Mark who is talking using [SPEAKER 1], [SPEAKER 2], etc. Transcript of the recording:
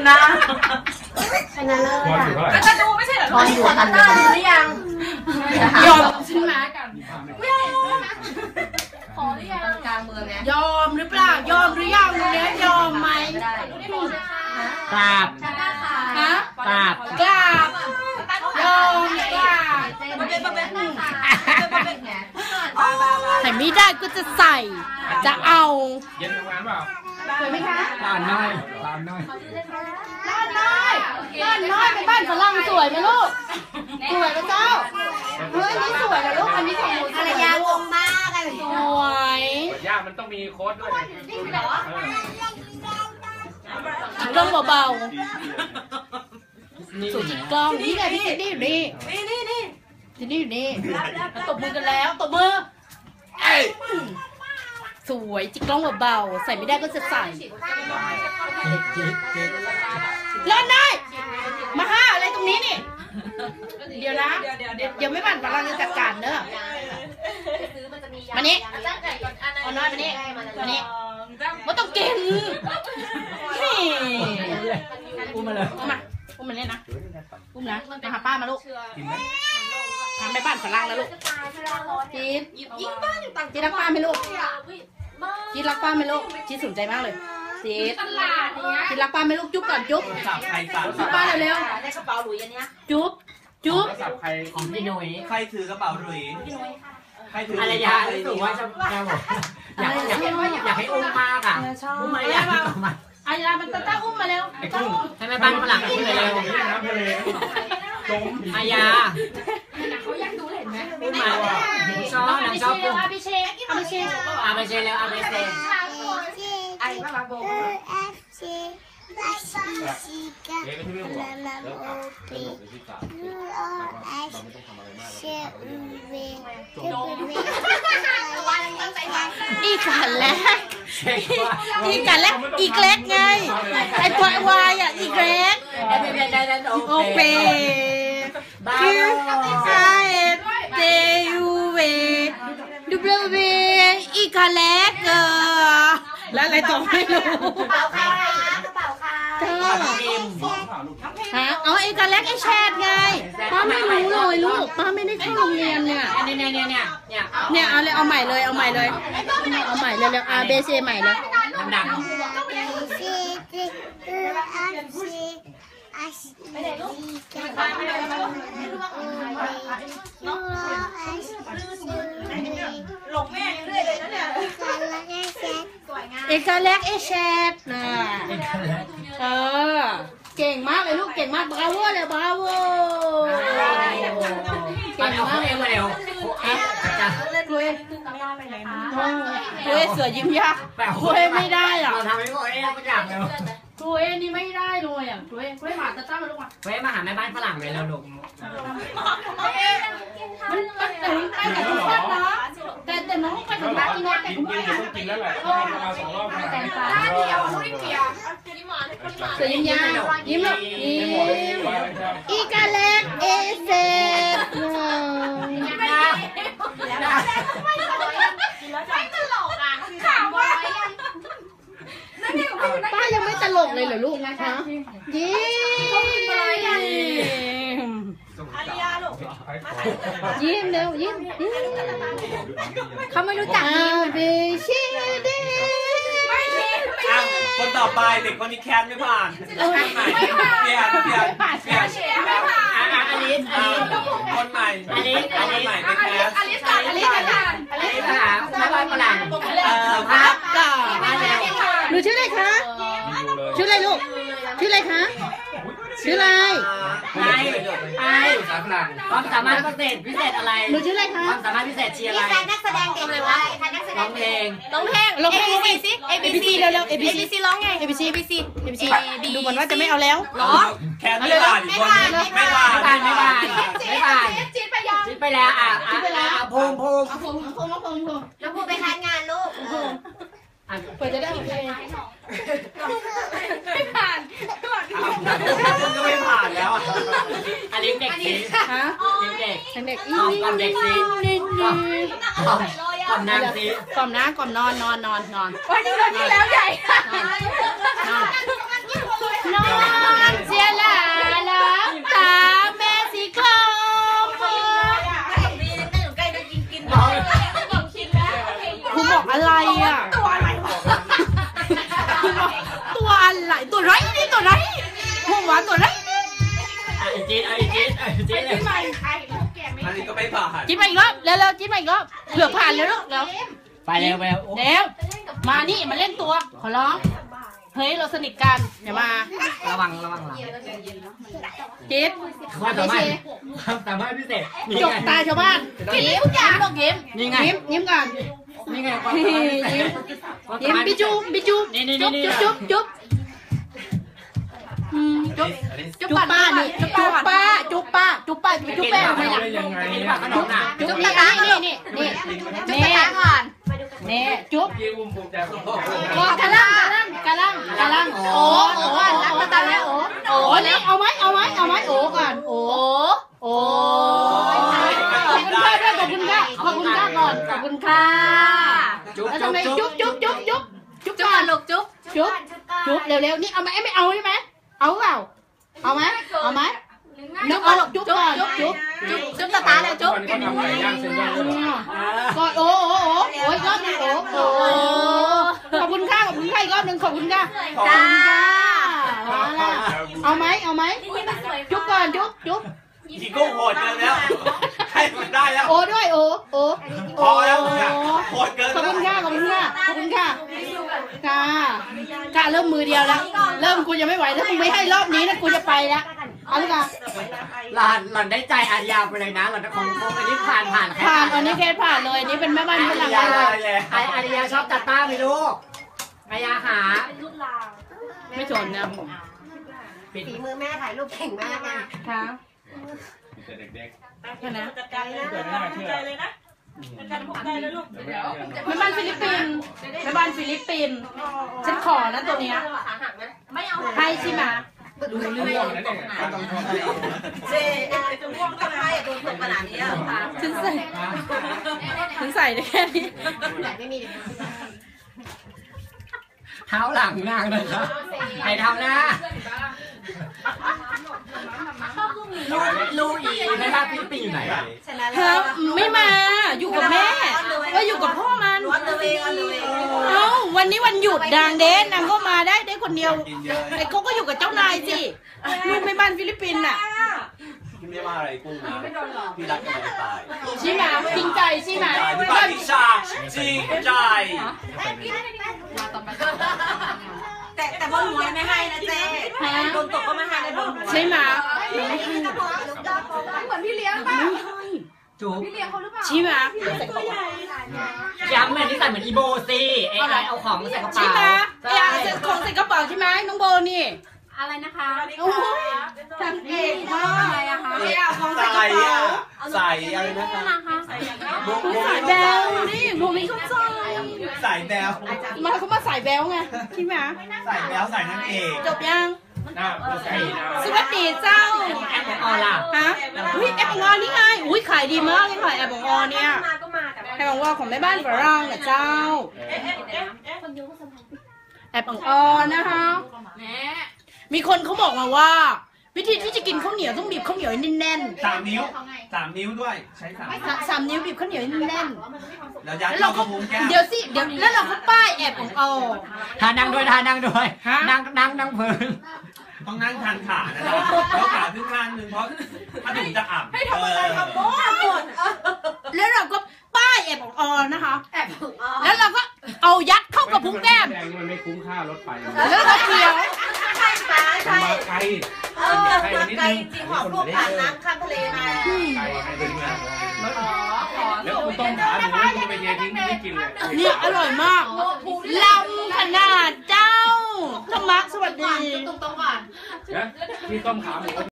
[SPEAKER 1] นะ
[SPEAKER 2] ชนะเลิศอ่ะ
[SPEAKER 1] จะดูไม่ใช่เหรอ
[SPEAKER 2] ตอนอยู่กันดูหรือยังยอมใช่ไหมกันขอหรือยังกลางเมืองเนี่ยยอมหรือเปล่ายอมหรือยังเนี่ยยอมไหม
[SPEAKER 3] กราบ
[SPEAKER 2] ฮะ
[SPEAKER 3] กราบ
[SPEAKER 2] กราบยอมกราบใส่ไม่ได้ก็จะใส่จะเอา
[SPEAKER 4] เย็นทำงานเปล่า
[SPEAKER 2] สวยไหมคะ
[SPEAKER 3] ร้านน้อยร้านน้อย
[SPEAKER 2] ร้านน้อยร้านน้อยเป็นบ้านฝรั่งสวยไหมลูกสวยไหมเจ้าเฮ้ยนี่สวยนะลูกอันนี้ของหนูอะไรยางงมากเลยสวย
[SPEAKER 4] ยากมันต้องมีโค้ดด้วย
[SPEAKER 2] ต้องเบาๆสูจิกล้องนี่ไงพี่นี่อยู่นี่นี่อยู่นี่ตบมือกันแล้วตบมือสวยจิกล้องเบาๆใส่ไม่ได้ก็จะใส่เล่นได้มาห้าอะไรตรงนี้นี่เดี๋ยวนะเดี๋ยวไม่บั่นฝรั่งจะจัดการเนอะมานี่เอาน้อยมานี่มานี่ไม่ต้องกินอุ้มมาเลยอุ้มมาเล่นนะอุ้มนะมาหาป้ามาลูกทำไปบ้านฝรั่งแล้วลูกจีนยิงบ้านอยู่ต่างจีนรักป้าไหมลูกจีนรักป้าไหมลูกจีนสนใจมากเลยจีนจีนรักป้าไหมลูกจุ๊บก่อนจุ๊บจุ๊บป้าเร็วๆได้กระเป๋าหลุยอันนี้จุ๊บ
[SPEAKER 3] ของพี่นุ้ย
[SPEAKER 5] ใครถือกระเป๋าหลุยใครถือ
[SPEAKER 3] อะไรยาอะไรหนูว่าจะแกบอกอยากให้อุ้มมากอ่ะอุ้มมาอยากมา
[SPEAKER 2] อายามันต้าอุ้มมาเร็ว
[SPEAKER 3] ให้แม่บ้านฝรั่งอุ้มเลยเร็วอายา
[SPEAKER 2] เขาอยากดูเห็นไหม
[SPEAKER 3] อุ้มมาชอบนางชอบอุ้ม
[SPEAKER 2] อาบิเช
[SPEAKER 3] เร็วอาเบเช
[SPEAKER 2] ไอ้บ้าบาโบอีกันแล้วอีกเล็กไงไอ้ตัววายอ่ะอีกเล็กโอเคคือไอเดยูเวดูเบลเวอีกเล็กแล้วอะไรต่อไม่รู้ฮะเอาไอ้กันแรกไอ้แชทไงป้าไม่รู้เลยลูกป้าไม่ได้เข้าโรงเรียนเนี่ยเอาเลยเอาใหม่เลยเอาใหม่เลยเร็วๆABC ใหม่เลย
[SPEAKER 3] ดัง
[SPEAKER 1] หลงแม่ยังเรื่อยเลยนะเนี่ย
[SPEAKER 2] เอกแรกไอ้แชทนะเก่งมากเลยลูกเก่งมากบราโวเลยบราโว
[SPEAKER 3] เก่งมากเลยเร็ว
[SPEAKER 2] คุยเสือยิ้มยากคุยไม่ได้อ่ะ
[SPEAKER 3] ทำให้คุยไม่อยากเลย
[SPEAKER 2] คุยนี่ไม่ได้เลยอ่ะคุยหมาตาตั้งมาลูก
[SPEAKER 3] มาหาแม่บ้านฝรั่งเลยเราลูก
[SPEAKER 2] มันถึงไปกับทุกคนเนาะแต่น้องไปถึงบ้านที่นี่แต่คุณแม่
[SPEAKER 4] กินแล้วแหละมา2 รอบ
[SPEAKER 2] แต่งตาเสือยิ้มยากยิ้มลูกอีกาเล็กเอเซป้ายังไม่ตลกเลยเหรอลูกนะคะยิ้มเร็วยิ้มเขาไม่รู้จักยิ้ม
[SPEAKER 5] คนต่อไปเด็กคนนี้แคสไม่ผ่านเปลี่ยน
[SPEAKER 3] อลิส
[SPEAKER 5] คนใหม่เป็นแคส
[SPEAKER 2] อลิส
[SPEAKER 3] แม่บ้านฝรั่ง
[SPEAKER 2] ครับหนูชื่ออะไรคะชื่ออะไรลูกชื่ออะไรคะชื่ออะไร
[SPEAKER 3] ความสามารถพิเศษอะไร
[SPEAKER 2] หนูชื่ออะไรคะ
[SPEAKER 3] ความสามารถพิเศษเชียร์อะไร
[SPEAKER 1] นักแสดงเก่งเลยวะ
[SPEAKER 3] ร้องเพลง
[SPEAKER 1] ABC สิ ABC
[SPEAKER 2] เร็ว
[SPEAKER 1] ABC ร้องไง
[SPEAKER 2] ABC ดูเหมือนว่าจะไม่เอาแล้ว
[SPEAKER 5] ร้องแคสไม่ผ่านอีกคนไม่ผ่าน
[SPEAKER 1] จีน
[SPEAKER 3] ไปแล้วภูมิ
[SPEAKER 1] แล้วพูดไปทานงานลูก
[SPEAKER 2] เปิดจะได้โอเค
[SPEAKER 1] ไม่ผ่าน
[SPEAKER 5] คุณก็ไม่ผ่านแล้ว
[SPEAKER 3] อันนี้เด็กสิ
[SPEAKER 2] ฮะ
[SPEAKER 3] เด็ก
[SPEAKER 2] ก่อน
[SPEAKER 3] เด็กสิก่อนนางสิ
[SPEAKER 2] ก่อนนะก่อนนอน
[SPEAKER 1] วันนี้แล้วใหญ่
[SPEAKER 2] นอน
[SPEAKER 5] ไม่ผ่าน
[SPEAKER 2] จิ้มมาอีกรอบเร็วๆจิ้มมาอีกรอบเผื่อผ่านแล้วลูกเร็ว
[SPEAKER 3] ไปเร็วไปเร็ว
[SPEAKER 2] เร็วมานี่มาเล่นตัวขอร้องเฮ้ยเราสนิทกันอย่ามา
[SPEAKER 3] ระวังหลัง
[SPEAKER 2] จิ๊บ
[SPEAKER 3] ความสามารถความสามารถพิเศษนี่
[SPEAKER 2] จบ
[SPEAKER 3] ไง
[SPEAKER 2] ตาชาวบ้านกินทุกอย่างต้องยิ้ม
[SPEAKER 3] นี่ไง
[SPEAKER 2] ยิ้มก่อน
[SPEAKER 3] นี่ไงความสามารถพิเศษ
[SPEAKER 2] ยิ้มบิจูจุ๊บจุ๊บจุ๊บจุ๊บจุ๊บป้านี่จุ๊บป้าจุ๊บป้าจุ๊บป้าจุ๊บแป้งทำไมล่ะ
[SPEAKER 4] ได้ยังไง
[SPEAKER 3] กิน
[SPEAKER 4] เนี่ย
[SPEAKER 3] ผักขนมน่ะ
[SPEAKER 2] จุ๊บตานี่จุ๊บตาก่อนนี่จุ๊บ
[SPEAKER 4] ยี่อุ้มภูมิใจของพ่อ
[SPEAKER 2] กะลังโอ้รักตาแล้วโอ้นี่เอาไหมโอ้ก่อนโอ้ขอบคุณค่ะด้วยขอบคุณค่ะก่อนขอบคุณค่ะ
[SPEAKER 3] จุ๊บ
[SPEAKER 2] แล้ว
[SPEAKER 3] จุ๊
[SPEAKER 2] ทำ
[SPEAKER 3] บ
[SPEAKER 2] ไม
[SPEAKER 3] จุ๊บ
[SPEAKER 2] จุ๊บก่อนลูกจุ๊บเร็วๆนี่เอาไหมไม่เอาใช่ไหมเอาเปล่าเอาไหมนึกเอาลูกจุ๊บก่อนจุ๊บตาแล้วจุ๊บ
[SPEAKER 4] เขาทำไก่ย่างเส้นย่างด้วยเหรอ
[SPEAKER 2] ก่อนโอ้ยรอบนึงโอ้ขอบคุณค่ะอีกรอบนึงขอบคุณค่ะจ้าเอาไหมจุ๊บก่อนจุ๊บ
[SPEAKER 5] อีโก้โหดเกินแล้วให้มันได้แล้ว
[SPEAKER 2] โอ้ด้วยโอ้
[SPEAKER 5] พอแล้วโหดเกิน
[SPEAKER 2] ขอบคุณค่ะค่ะเริ่มมือเดียวแล้วเริ่มกูจะไม่ไหวแล้วกูไม่ให้รอบนี้นะกูจะไปแล้วเอาลูกอ่ะ
[SPEAKER 3] หล่อนได้ใจอาญาไปเลยนะหล่อนของอันนี้ผ่านแค่
[SPEAKER 2] ผ่านอันนี้เคสผ่านเลยอันนี้เป็นแม่บ้านฝรั่ง
[SPEAKER 3] อาญา
[SPEAKER 2] เลย
[SPEAKER 3] อาญาชอบตัดต้าไหมลูกอาญาหา
[SPEAKER 2] ไม่ชนนะ
[SPEAKER 6] ฝีมือแม่ถ่ายรูปเก่งมากนะ
[SPEAKER 2] ค่ะ
[SPEAKER 4] แต่เด็ก
[SPEAKER 2] แค่นั้น
[SPEAKER 6] จัดการเลยนะ
[SPEAKER 4] ๆเกิดไม่น่าเชื่อ
[SPEAKER 6] เลยนะจัดการผมได้เลยลูก
[SPEAKER 4] เดี๋ยว
[SPEAKER 2] แม่บ้านฟิลิปปินส์ฉันขอนะตัวเนี้ยให้ใช่ไหม
[SPEAKER 4] ดูเรื่องนั่นเองต้องชอบ
[SPEAKER 6] เจ๊จะง่วงก็ให้โดนตกขนาดนี้อ่ะ
[SPEAKER 2] ฉันใส่ได้แค่นี้
[SPEAKER 3] เท้าหลังนางเลยครับใครทำนะลูอีในภาพฟิลิปปินส์อยู่ไหนอะ
[SPEAKER 2] เธอไม่มาอยู่กับแม่ก็อยู่กับพ่อมัน
[SPEAKER 6] ร้อนตัวเองอ่ะเลย
[SPEAKER 2] เอ้าวันนี้วันหยุดนางเดนนางก็มาได้คนเดียวไอ้เขาก็อยู่กับเจ้านายสิลูกแม่บ้านฟิลิปปินส์น่ะ
[SPEAKER 5] พี่ไม่ว่าอะไรกุ้งนะพี่รักกันจะตาย
[SPEAKER 2] ใช่ไหมจริงใจใช่ไหม
[SPEAKER 5] พี่บ้าพี่ชาจริงใจ
[SPEAKER 6] แต่บนหัวไม่ให้นะเจ๊โดนตกก็ไม่ให้ในบนหัว
[SPEAKER 2] ใช่ไหม
[SPEAKER 1] เหมือนพี่เลี้ยงป่ะ
[SPEAKER 3] จูบ
[SPEAKER 1] พี่เลี้ยงเขาหรือเปล่า
[SPEAKER 2] ใช่ไหม
[SPEAKER 3] ย้ำเลยนี่ใส่เหมือนอีโบสิไอ้เอาของมาใส่กระ
[SPEAKER 2] ใช่
[SPEAKER 3] เป๋า
[SPEAKER 2] ไหมอยากจะของใส่กระเป๋าใช่ไหมน้องโบนี่
[SPEAKER 1] อะไรนะคะ
[SPEAKER 2] โอ้ยทำเก่งมาก
[SPEAKER 1] อะไรอะคะ
[SPEAKER 5] ใส่ใส่อะไรนะคะ
[SPEAKER 2] สายแบลนี่โบไม่เข้าใจ
[SPEAKER 5] ใส่แบล
[SPEAKER 2] เขามาสายแบลไงใช่ไหม
[SPEAKER 5] ใส่แบลใส่นั่นเอง
[SPEAKER 2] จบยัง
[SPEAKER 4] หน้าใส่หน้า
[SPEAKER 2] สวัสดีเจ้า
[SPEAKER 3] แอปของออล่ะ
[SPEAKER 2] ฮะอุ้ยแอปของออนี่ไงอุ้ยขายดีมากเลยค่ะแอปของออเนี่ยแอปของออของแม่บ้านฝรั่งนะเจ้าแอปของออนะคะมีคนเขาบอกมาว่า วิธีที่จะกินข้าวเหนียวต้องบีบข้าวเหนียวให้แน่น
[SPEAKER 5] 3 นิ้ว 3 นิ้วด้วยใช้3
[SPEAKER 2] 3 นิ้วบีบข้าวเหนียวให้แน่น
[SPEAKER 5] แล้วยัดเข้ากระพุ้งแก้ม
[SPEAKER 2] เดี๋ยวสิเดี๋ยวแล้วเราก็ป้ายแอปของออ
[SPEAKER 3] ทานั่งด้วยนั่งพื้น
[SPEAKER 5] ต้องนั่งทันขานะครับแล้วขาขึ้นข้างนึงเพราะถ้าถึงจะอ่ำให้ทำอะไรครับ
[SPEAKER 2] แล้วเราก็ป้ายแอปของออนะคะแล้วเราก็เอายัดเข้ากระพุ้งแก้ม
[SPEAKER 4] แดงมันไม่คุ้มค่ารถไฟ
[SPEAKER 2] แล้วก็เคี้ยว
[SPEAKER 6] ใช่ค่ะ
[SPEAKER 4] ใช่
[SPEAKER 6] ใช่
[SPEAKER 4] ไกล
[SPEAKER 6] ไกลจริงของพวกผ่านน้ำข้ามทะเลมา
[SPEAKER 4] ไกลให้ดึงมาแล้วกูต้มขาหมูแล้วกูไปเททิ้งไม่กินเลย
[SPEAKER 2] เนี่ยอร่อยมากลำขนาดเจ้าธรรมะสวัสดี
[SPEAKER 1] ตรงก่อน
[SPEAKER 4] นะที่ต้มขาหมู